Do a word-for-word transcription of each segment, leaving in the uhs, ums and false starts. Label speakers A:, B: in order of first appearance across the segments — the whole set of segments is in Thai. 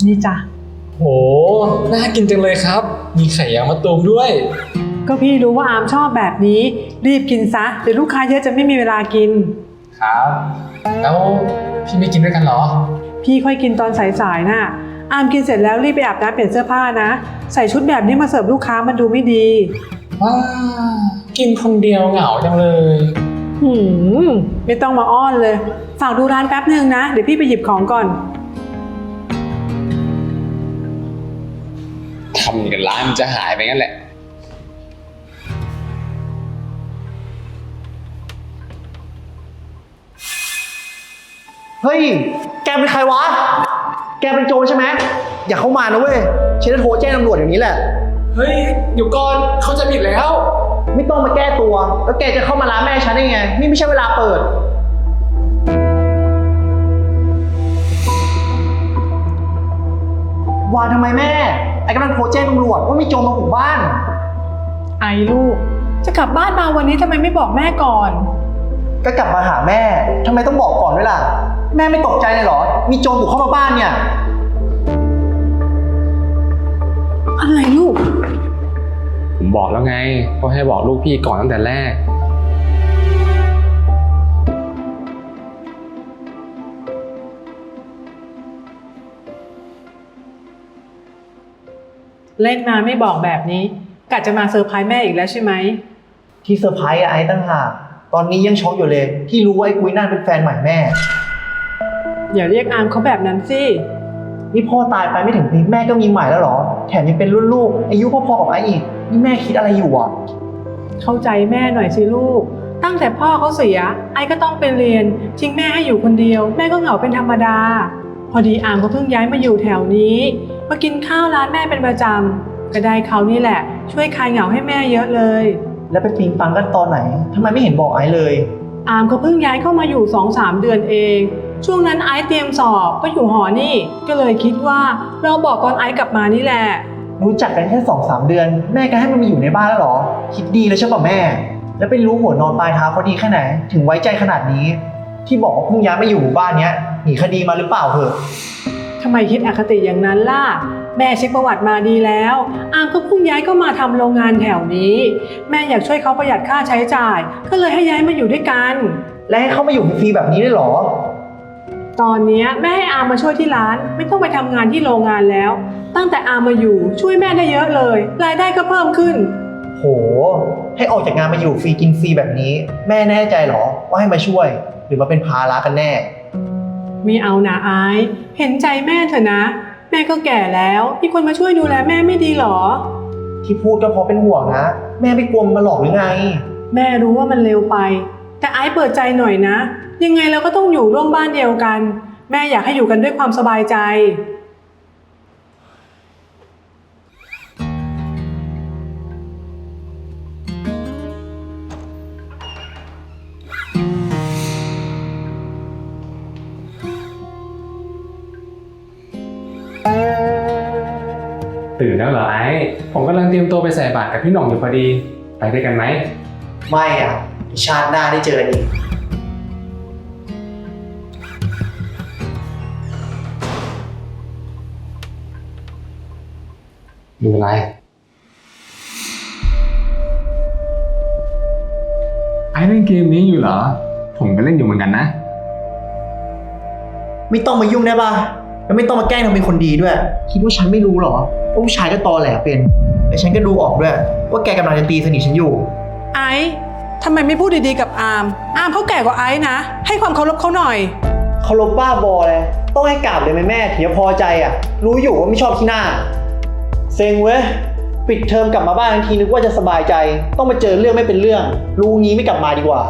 A: นี่จ้ะ
B: โหน่ากินจังเลยครับมีไข่ยางมะตูมด้วย
A: ก็พี่รู้ว่าอามชอบแบบนี้รีบกินซะเดี๋ยวลูกค้าเยอะจะไม่มีเวลากิน
B: ครับแล้วพี่ไม่กินด้วยกันเหรอ
A: พี่ค่อยกินตอนสายๆน่ะอามกินเสร็จแล้วรีบไปอาบน้ำเปลี่ยนเสื้อผ้านะใส่ชุดแบบนี้มาเสิร์ฟลูกค้ามันดูไม่ดี
B: ว้ากินคนเดียวเหงาจังเลย
A: หืมไม่ต้องมาอ้อนเลยฝากดูร้านแป๊บนึงนะเดี๋ยวพี่ไปหยิบของก่อน
B: ทำกันร้านมันจะหายไปงั้นแหละ
C: เฮ้ยแกเป็นใครวะแกเป็นโจรใช่ไหมอย่าเข้ามานะเว้ยฉันจะโทรแจ้งตำรวจอย่างนี้แหละ
B: เฮ้ยเดี๋ยวก่อนเขาจะผิดแล้ว
C: ไม่ต้องมาแก้ตัวแล้วแกจะเข้ามาร้านแม่ฉันได้ไงนี่ไม่ใช่เวลาเปิดวานทำไมแม่ไอ้กำลังโทรแจ้งตำรวจว่ามีโจรมาบุกบ้าน
A: ไอ้ลูกจะกลับบ้านมาวันนี้ทำไมไม่บอกแม่ก่อน
C: ก็กลับมาหาแม่ทำไมต้องบอกก่อนด้วยล่ะแม่ไม่ตกใจเลยเหรอมีโจรบุกเข้ามาบ้านเนี่ย
A: อะไรลูก
B: ผมบอกแล้วไงก็ให้บอกลูกพี่ก่อนตั้งแต่แรก
A: เล่นมาไม่บอกแบบนี้กะจะมาเซอร์ไพรส์แม่อีกแล้วใช่ไหม
C: ที่เซอร์ไพรส์ไอ้ตั้งหากตอนนี้ยังช็อกอยู่เลยที่รู้ว่าไอ้กุ้ยนั่นเป็นแฟนใหม่แม่
A: อย่าเรียกอามเขาแบบนั้นสิ
C: นี่พ่อตายไปไม่ถึงปีแม่ก็มีใหม่แล้วเหรอแถมยังเป็นรุ่นลูกอายุพอๆกับไอ้อีกนี่แม่คิดอะไรอยู่อ่ะ
A: เข้าใจแม่หน่อยสิลูกตั้งแต่พ่อเขาเสียไอ้ก็ต้องไปเรียนทิ้งแม่ให้อยู่คนเดียวแม่ก็เหงาเป็นธรรมดาพอดีอามเขาเพิ่งย้ายมาอยู่แถวนี้มากินข้าวร้านแม่เป็นประจำก็ได้เขานี่แหละช่วยคลายเหงาให้แม่เยอะเลย
C: แล้วไปปิงปังกันตอนไหนทำไมไม่เห็นบอกไอ้เลย
A: อามเขาเพิ่งย้ายเข้ามาอยู่ สองสาม เดือนเองช่วงนั้นไอซ์เตรียมสอบก็อยู่หอนี่ก็เลยคิดว่าเราบอกตอนไอซ์กลับมานี่แหละ
C: รู้จักกันแค่ สองสาม เดือนแม่ก็ให้มันมาอยู่ในบ้านแล้วหรอคิดดีเลยใช่ป่ะแม่แล้วไปรู้หัวนอนปลายเท้าเขาดีแค่ไหนถึงไว้ใจขนาดนี้ที่บอกว่าเพิ่งย้ายมาอยู่หมู่บ้านเนี้ยหนีคดีมาหรือเปล่าเหรอ
A: ทำไมคิดอคติอย่างนั้นล่ะแม่เช็คประวัติมาดีแล้วอามก็เพิ่งย้ายก็มาทำโรงงานแถวนี้แม่อยากช่วยเขาประหยัดค่าใช้จ่ายก็เลยให้ย้ายมาอยู่ด้วยกัน
C: และให้เขามาอยู่ฟรีแบบนี้ได้หรอ
A: ตอนนี้แม่ให้อามมาช่วยที่ร้านไม่ต้องไปทำงานที่โรงงานแล้วตั้งแต่อามมาอยู่ช่วยแม่ได้เยอะเลยรายได้ก็เพิ่มขึ้น
C: โหให้ออกจากงานมาอยู่ฟรีกินฟรีแบบนี้แม่แน่ใจหรอว่าให้มาช่วยหรือมาเป็นภาระกันแน่
A: ไม่เอานะไอซ์เห็นใจแม่เถอะนะแม่ก็แก่แล้วมีคนมาช่วยดูแลแม่ไม่ดีหรอ
C: ที่พูดก็เพราะเป็นห่วงนะแม่ไม่กลัวมันมาหลอกหรือไง
A: แม่รู้ว่ามันเร็วไปแต่ไอซ์เปิดใจหน่อยนะยังไงเราก็ต้องอยู่ร่วมบ้านเดียวกันแม่อยากให้อยู่กันด้วยความสบายใจ
B: ตื่นแล้วเหรอไอ้ผมกำลังเตรียมตัวไปใส่บาตรกับพี่หน่องอยู่พอดีไปด้วยกันไหม
C: ไม่อ่ะชาติหน้าได้เจอกันอีก
B: ดูอะไรไอ้เล่นเกมนี้อยู่เหรอผมก็เล่นอยู่เหมือนกันนะ
C: ไม่ต้องมายุ่งได้ป่ะแล้วไม่ต้องมาแกล้งทำเป็นคนดีด้วยคิดว่าฉันไม่รู้หรอว่าผู้ชายก็ตอแหลเป็นแต่ฉันก็ดูออกด้วยว่าแกกำลังจะตีสนิทฉันอยู่
A: ไอ้ทำไมไม่พูดดีๆกับอามอามเขาแก่กว่าไอ้นะให้ความเคารพเขาหน่อย
C: เคารพบ้าบอเลยต้องให้กราบเลยไหมแม่ถึงจะพอใจอ่ะรู้อยู่ว่าไม่ชอบขี้หน้าเซ็งเว้ยปิดเทอมกลับมาบ้านทันทีนึกว่าจะสบายใจต้องมาเจอเรื่องไม่เป็นเรื่องรู้งี้ไม่กลับมาดีกว่า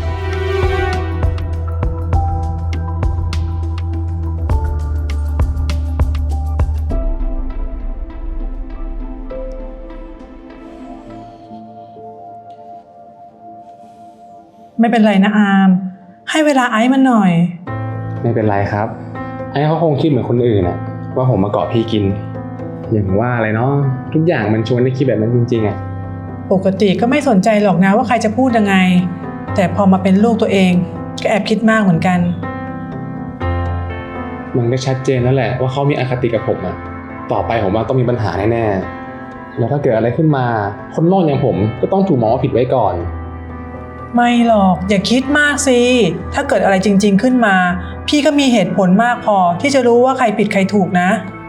A: ไม่เป็นไรนะอามให้เวลาไอซ์มันหน่อย
B: ไม่เป็นไรครับไอ้เขาคงคิดเหมือนคนอื่นน่ะว่าผมมาเกาะพี่กินอย่างว่าอะไรเนาะทุกอย่างมันชวนให้คิดแบบนั้นจริงๆอ่ะ
A: ปกติก็ไม่สนใจหรอกนะว่าใครจะพูดยังไงแต่พอมาเป็นลูกตัวเองก็แอบคิดมากเหมือนกัน
B: มันก็ชัดเจนแล้วแหละว่าเขามีอคติกับผมอะต่อไปผมว่าต้องมีปัญหาแน่ๆแล้วถ้าเกิดอะไรขึ้นมาคนนอกอย่างผมก็ต้องถูกมองว่าผิดไว้ก่อน
A: ไม่หรอกอย่าคิดมากสิถ้าเกิดอะไรจริงๆขึ้นมา พี่ก็มีเหตุผลมากพอที่จะรู้ว่าใครผิดใครถูกนะ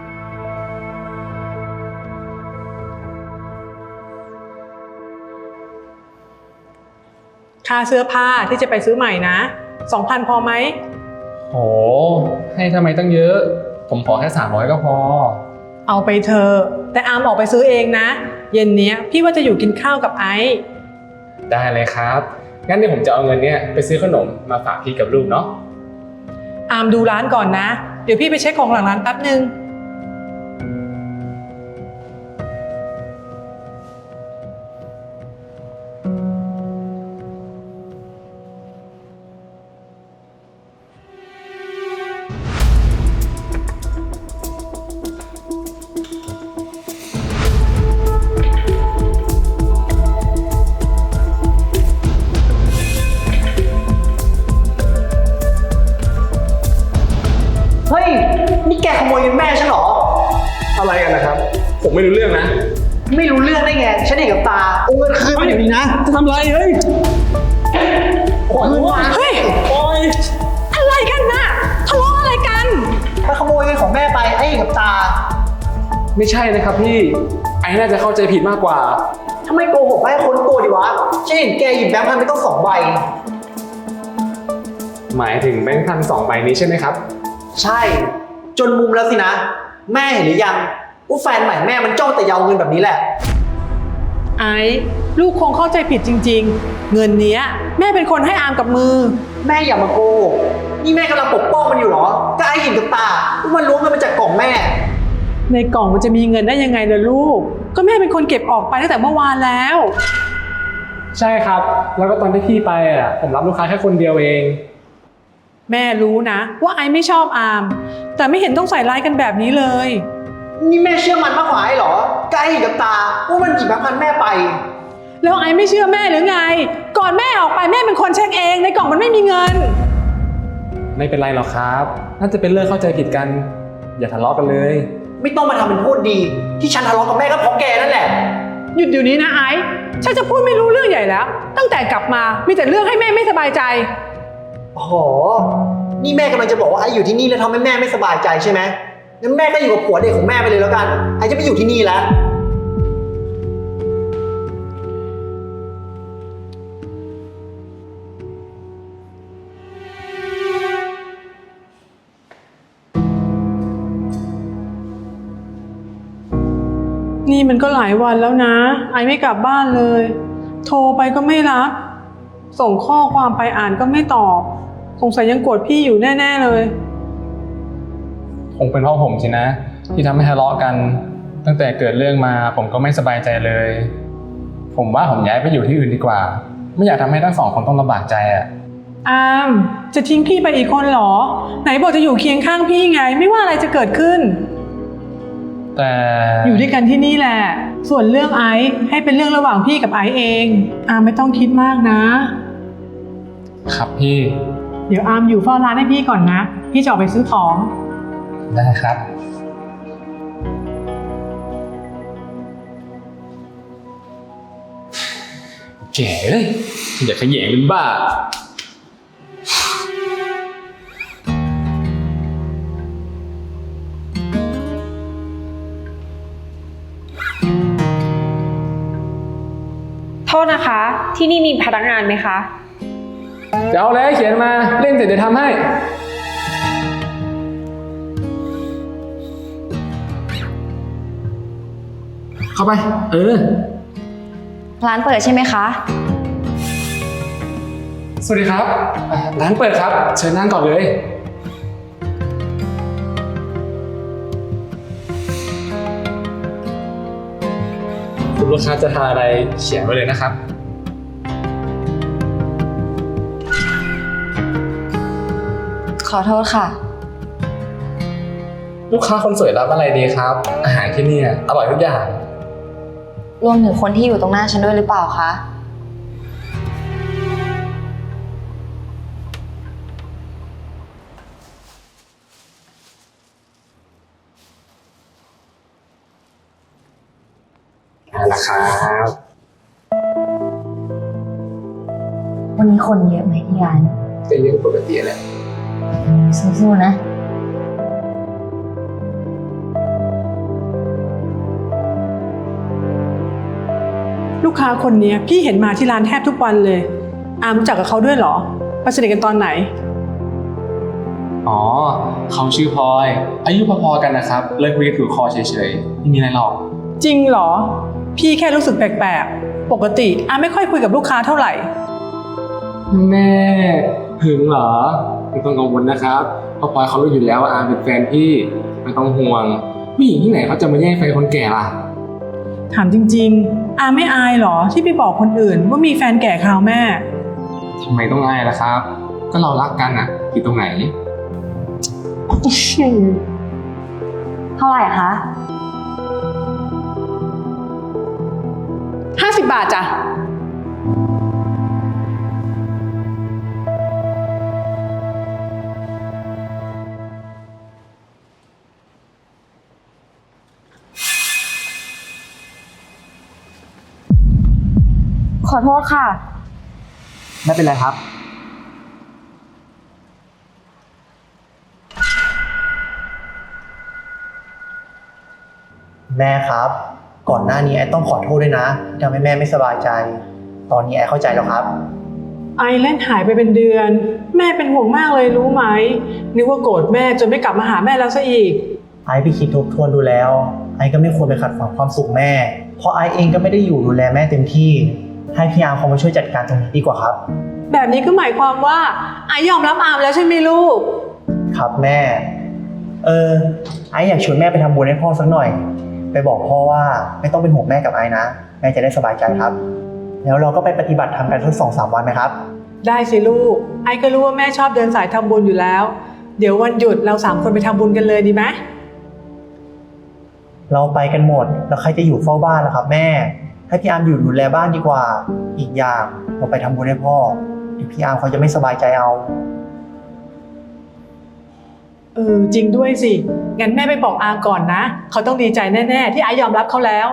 A: ค่าเสื้อผ้าที่จะไปซื้อใหม่นะสองพันพอไหม
B: โหให้ทำไมตั้งเยอะผมขอแค่สามร้อยก็พอ
A: เอาไปเถอะแต่อามออกไปซื้อเองนะเย็นเนี้ยพี่ว่าจะอยู่กินข้าวกับไอซ์
B: ได้เลยครับงั้นเดี๋ยวผมจะเอาเงินเนี้ยไปซื้อขนมมาฝากพี่กับลูกเนาะ
A: อามดูร้านก่อนนะเดี๋ยวพี่ไปเช็คของหลังร้านแป๊บนึง
C: เฮ้ย นี่แกขโมยเงินแม่ฉันเหรอ
B: อะไรกันนะครับ ผมไม่รู้เรื่องนะ
C: ไม่รู้เรื่องได้ไง ฉันเห็นกับตาเอาเงินคืนมาเดี๋ยวนี้นะ
B: จะทำอะไรเฮ้ย
C: โอ้ย
A: เฮ้ย
B: โอ้ย
A: อะไรกันน่ะทะเลาะอะไรกัน
C: มาขโมยเงินของแม่ไปไอ้เห็นกับตา
B: ไม่ใช่นะครับพี่ไอ้น่าจะเข้าใจผิดมากกว่า
C: ทำไมโกหกให้คนตัวดิวะ ฉันเห็นแกหยิบแบงค์พันไปต้องสองใบ
B: หมายถึงแบงค์พันสองใบนี้ใช่ไหมครับ
C: ใช่ จนมุมแล้วสินะ แม่เห็นหรือยังว่าแฟนใหม่แม่มันจ้องแต่ยาวเงินแบบนี้แหละ
A: ไอ้ลูกคงเข้าใจผิดจริงๆเงินเนี้ยแม่เป็นคนให้อามกับมือ
C: แม่อย่ามาโกหกนี่แม่กำลังปกป้องมันอยู่เหรอ ก็ไอ้เห็นกับตาว่ามันล้วงเงินมาจากกล่องแม่
A: ในกล่องมันจะมีเงินได้ยังไงล่ะลูก ก็แม่เป็นคนเก็บออกไปตั้งแต่เมื่อวานแล้ว
B: ใช่ครับ แล้วก็ตอนที่พี่ไปอ่ะผมรับลูกค้าแค่คนเดียวเอง
A: แม่รู้นะว่าไอ้ไม่ชอบอาม แต่ไม่เห็นต้องใส่ร้ายกันแบบนี้เลย
C: นี่แม่เชื่อมันมากกว่าไอ้เหรอ ก็ไอ้เห็นกับตาว่ามันหยิบแบงค์พันแม่ไป
A: แล้วไอ้ไม่เชื่อแม่หรือไง ก่อนแม่ออกไปแม่เป็นคนเช็คเองในกล่องมันไม่มีเงิน
B: ไม่เป็นไรหรอกครับ น่าจะเป็นเรื่องเข้าใจผิดกัน อย่าทะเลาะกันเลย
C: ไม่ต้องมาทำเป็นพูดดี ที่ฉันทะเลาะกับแม่ก็เพราะแกนั่นแหละ
A: หยุดเดี๋ยวนี้นะไอ้ฉันจะพูดไม่รู้เรื่องใหญ่แล้ว ตั้งแต่กลับมามีแต่เรื่องให้แม่ไม่สบายใจ
C: โอ้โห นี่แม่กำลังจะบอกว่าไอ้อยู่ที่นี่แล้วทำให้แม่ไม่สบายใจใช่ไหมงั้นแม่ก็อยู่กับผัวเด็กของแม่ไปเลยแล้วกัน ไอ้จะไม่อยู่ที่นี่แล้ว
A: นี่มันก็หลายวันแล้วนะ ไอไม่กลับบ้านเลย โทรไปก็ไม่รับ ส่งข้อความไปอ่านก็ไม่ตอบ สงสัยยังโกรธพี่อยู่แน่ๆเลย
B: คงเป็นเพราะผมสินะ ที่ทำให้ทะเลาะกัน ตั้งแต่เกิดเรื่องมาผมก็ไม่สบายใจเลย ผมว่าผมย้ายไปอยู่ที่อื่นดีกว่า ไม่อยากทำให้ทั้งสองคนต้องลำบากใจอ่ะ
A: อามจะทิ้งพี่ไปอีกคนเหรอ ไหนบอกจะอยู่เคียงข้างพี่ไง ไม่ว่าอะไรจะเกิดขึ้น
B: แต่
A: อยู่ด้วยกันที่นี่แหละ ส่วนเรื่องไอซ์ให้เป็นเรื่องระหว่างพี่กับไอซ์เอง อามไม่ต้องคิดมากนะ
B: ครับพี่
A: เดี๋ยวอามอยู่เฝ้าร้านให้พี่ก่อนนะ พี่จะออกไปซื้อของ
B: ได้ครับ แก่เลยอย่าขยงเป็นบ้า
D: โทษนะคะ ที่นี่มีพนักงานไหมคะ
B: จะเอาแล้วเขียนมาเล่นเสร็จเดี๋ยวทำให้ เข้าไป เออ
D: ร้านเปิดใช่ไหมคะ
B: สวัสดีครับอ่าร้านเปิดครับ เชิญนั่งก่อนเลย คุณลูกค้าจะทานอะไรเขียนไว้เลยนะครับ
D: ขอโทษค่ะ
B: ลูกค้าคนสวยรับอะไรดีครับ อาหารที่นี่อร่อยทุกอย่าง
D: รวมถึงคนที่อยู่ตรงหน้าฉันด้วยหรือเปล่าคะ
B: เอาละครับ
D: วันนี้คนเยอะไหมที่ร้าน
B: ก็เยอะปกติแหละ
D: สู้ๆนะ
A: ลูกค้าคนเนี้ยพี่เห็นมาที่ร้านแทบทุกวันเลย อามรู้จักกับเขาด้วยเหรอไปสนิทกันตอนไหน
B: อ๋อเขาชื่อพลอย อายุพอๆกันนะครับ เลิกคุยกันถูกคอเฉยๆไม่มีอะไรหรอก
A: จริงเหรอ พี่แค่รู้สึกแปลกๆ ปกติอามไม่ค่อยคุยกับลูกค้าเท่าไหร่
B: แม่หึงเหรอไม่ต้องกังวลนะครับเพราะพลอยเขารู้อยู่แล้วว่าอาเป็นแฟนพี่ไม่ต้องห่วงผู้หญิงที่ไหนเขาจะมาแย่งแฟนคนแก่ล่ะ
A: ถามจริงๆ อามไม่อายเหรอที่ไปบอกคนอื่นว่ามีแฟนแก่คราวแม่
B: ทำไมต้องอายล่ะครับ ก็เรารักกันอ่ะผิดตรงไหน
D: เท่าไหร่คะ
A: ห้าสิบบาทจ้ะ
D: ขอโทษค่ะ
C: ไม่เป็นไรครับ แม่ครับ ก่อนหน้านี้ไอ้ต้องขอโทษด้วยนะที่ทำให้แม่ไม่สบายใจ ตอนนี้ไอ้เข้าใจแล้วครับ
A: ไอเล่นหายไปเป็นเดือน แม่เป็นห่วงมากเลยรู้ไหมนึกว่าโกรธแม่จนไม่กลับมาหาแม่แล้วซะอีก
C: ไอ้ไปคิดทบทวนดูแล้ว ไอ้ก็ไม่ควรไปขัดขวางความสุขแม่ เพราะไอ้เองก็ไม่ได้อยู่ดูแลแม่เต็มที่ ให้พี่อาร์มเขามาช่วยจัดการตรงนี้ดีกว่าครับ
A: แบบนี้ก็หมายความว่าไอยอมรับอามแล้วใช่ไหมลูก
C: ครับแม่ เออ ไอ้อยากชวนแม่ไปทำบุญให้พ่อสักหน่อย ไปบอกพ่อว่าไม่ต้องเป็นห่วงแม่กับไอ้นะ แม่จะได้สบายใจครับ แล้วเราก็ไปปฏิบัติธรรมกันสักสองสามวันไหมครับ
A: ได้สิลูก ไอก็รู้ว่าแม่ชอบเดินสายทำบุญอยู่แล้ว เดี๋ยววันหยุดเราสามคนไปทำบุญกันเลยดีไหม
C: เราไปกันหมด แล้วใครจะอยู่เฝ้าบ้านล่ะครับแม่ ให้พี่อาร์มอยู่ดูแลบ้านดีกว่า อีกอย่างเราไปทำบุญให้พ่อเดี๋ยวพี่อาร์มเขาจะไม่สบายใจเอา
A: เออจริงด้วยสิ งั้นแม่ไปบอกอามก่อนนะ เขาต้องดีใจแน่ๆที่ไอยอมรับเขาแล้ว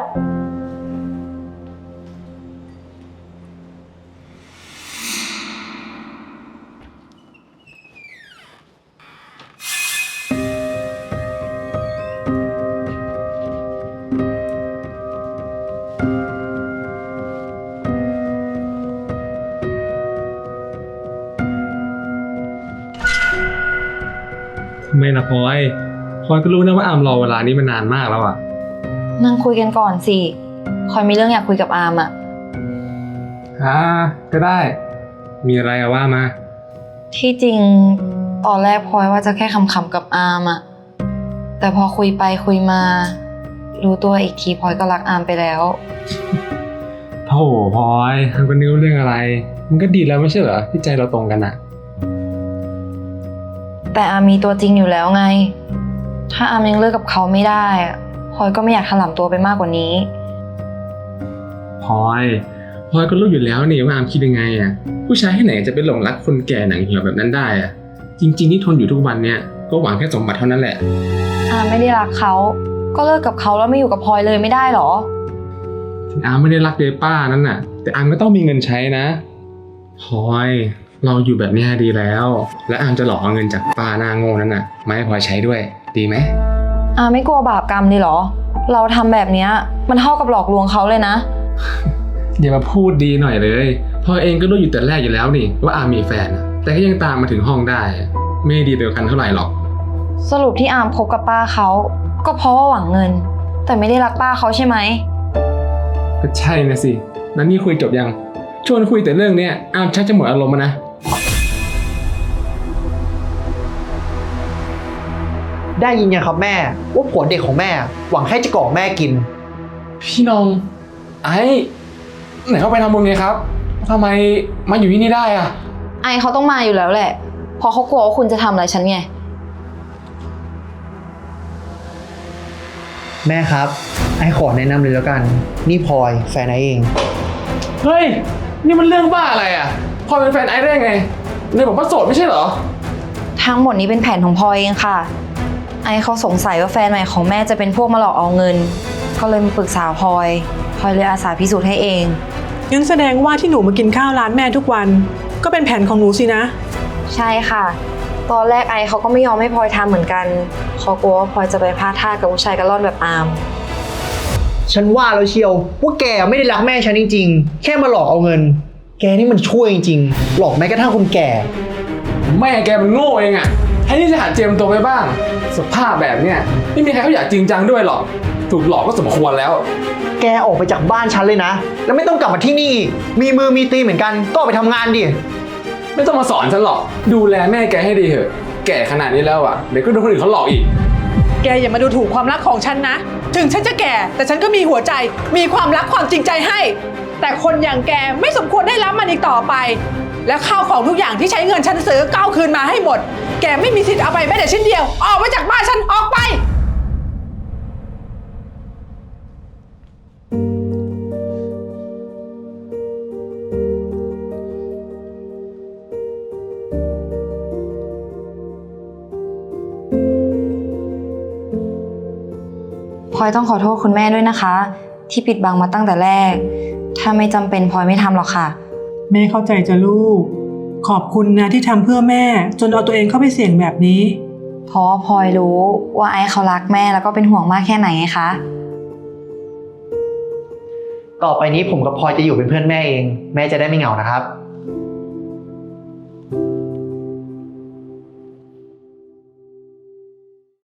B: ทำไมล่ะพลอยพลอยก็รู้นะว่าอามรอเวลานี้มานานมากแล้วอ่ะ
D: นั่งคุยกันก่อนสิพลอยมีเรื่องอยากคุยกับอามอะ
B: อ่าก็ได้ มีอะไรอะว่ามา
D: ที่จริงตอนแรกพลอยว่าจะแค่ขำๆกับอามอะแต่พอคุยไปคุยมา รู้ตัวอีกทีพลอยก็รักอามไปแล้ว
B: โธ่พลอยทำกันนิ้วเรื่องอะไร มันก็ดีแล้วไม่ใช่เหรอที่ใจเราตรงกันอะ
D: แต่อามมีตัวจริงอยู่แล้วไง ถ้าอามยังเลิกกับเขาไม่ได้อะพลอยก็ไม่อยากถลำตัวไปมากกว่านี้
B: พลอยพลอยก็รู้อยู่แล้วนี่ว่าอามคิดยังไงอะผู้ชายที่ไหนจะไปหลงรักคนแก่หนังเหี่ยวแบบนั้นได้อะจริงๆที่ทนอยู่ทุกวันเนี่ยก็หวังแค่สมบัติเท่านั้นแหละ
D: อามไม่ได้รักเขา ก็เลิกกับเขาแล้วไม่อยู่กับพลอยเลยไม่ได้หรอ
B: ถึงอามไม่ได้รักเดป้านั่นน่ะ แต่อามก็ต้องมีเงินใช้นะพลอยเราอยู่แบบนี้ดีแล้ว และอามจะหลอกเอาเงินจากป้าหน้าโง่นั้นน่ะมาให้พลอยใช้ด้วยดีไหม
D: อามไม่กลัวบาปกรรมเลยเหรอ เราทำแบบเนี้ยมันเท่ากับหลอกลวงเขาเลยนะ
B: อย่ามาพูดดีหน่อยเลยพลอยเองก็รู้อยู่แต่แรกอยู่แล้วนี่ว่าอามมีแฟนอะแต่ก็ยังตามมาถึงห้องได้ไม่ดีเดียวกันเท่าไหร่หรอก
D: สรุปที่อามคบกับป้าเขาก็เพราะว่าหวังเงิน แต่ไม่ได้รักป้าเขาใช่ไหม
B: ก็ใช่นะสิแล้วนี่คุยจบยังชวนคุยแต่เรื่องเนี้ยอามชักจะหมดอารมณ์แล้วนะ
C: ได้ยินยังครับแม่ว่าผัวเด็กของแม่หวังแค่จะก่อแม่กิน
B: พี่น้องไอ้ไหนเขาไปทำบุญไงครับทำไมมาอยู่ที่นี่ได้อะ
D: ไอเขาต้องมาอยู่แล้วแหละ เพราะเขากลัวว่าคุณจะทำอะไรฉันไง
C: แม่ครับ ไอ้ขอแนะนำเลยแล้วกัน นี่พลอยแฟนไอ้เอง
B: เฮ้ยนี่มันเรื่องบ้าอะไรอะพลอยเป็นแฟนไอ้ได้ไงในบอกว่าโสดไม่ใช่เหรอ
D: ทั้งหมดนี้เป็นแผนของพลอยเองค่ะ ไอเขาสงสัยว่าแฟนใหม่ของแม่จะเป็นพวกมาหลอกเอาเงิน ก็เลยมาปรึกษาพลอย พลอยเลยอาสาพิสูจน์ให้เอง
A: งั้นแสดงว่าที่หนูมากินข้าวร้านแม่ทุกวัน ก็เป็นแผนของหนูสินะ
D: ใช่ค่ะ ตอนแรกไอเขาก็ไม่ยอมให้พลอยทำเหมือนกันเขากลัวว่าพลอยจะไปพลาดท่ากับผู้ชายกระล่อนแบบอาม
C: ฉันว่าแล้วเชียวว่าแกไม่ได้รักแม่ฉันจริงๆ แค่มาหลอกเอาเงิน แกนี่มันช่วยจริงๆ หลอกแม้กระทั่งคนแก่
B: แม่แกมันโง่เองอะแทนที่จะหัดเจียมตัวไปบ้าง สภาพแบบเนี้ยไม่มีใครเขาอยากจริงจังด้วยหรอก ถูกหลอกก็สมควรแล้ว
C: แกออกไปจากบ้านฉันเลยนะ แล้วไม่ต้องกลับมาที่นี่อีกมีมือมีตีนเหมือนกันก็ออกไปทำงานดิ
B: ไม่ต้องมาสอนฉันหรอก ดูแลแม่แกให้ดีเถอะ แก่ขนาดนี้แล้วอะเดี๋ยวก็โดนคนอื่นเขาหลอกอีก
A: แกอย่ามาดูถูกความรักของฉันนะ ถึงฉันจะแก่ แต่ฉันก็มีหัวใจ มีความรักความจริงใจให้ แต่คนอย่างแกไม่สมควรได้รับมันอีกต่อไป และข้าวของทุกอย่างที่ใช้เงินฉันซื้อก็เอาคืนมาให้หมด แกไม่มีสิทธิ์เอาไปแม้แต่ชิ้นเดียว ออกไปจากบ้านฉัน ออกไป
D: พลอยต้องขอโทษคุณแม่ด้วยนะคะ ที่ปิดบังมาตั้งแต่แรก ถ้าไม่จำเป็นพลอยไม่ทำหรอกค่ะ
A: แม่เข้าใจจะลูก ขอบคุณนะที่ทำเพื่อแม่ จนเอาตัวเองเข้าไปเสี่ยงแบบนี้
D: เพราะว่าพลอยรู้ว่าไอซ์เขารักแม่แล้วก็เป็นห่วงมากแค่ไหนไงคะ
C: ต่อไปนี้ผมกับพลอยจะอยู่เป็นเพื่อนแม่เอง แม่จะได้ไม่เหงานะครับ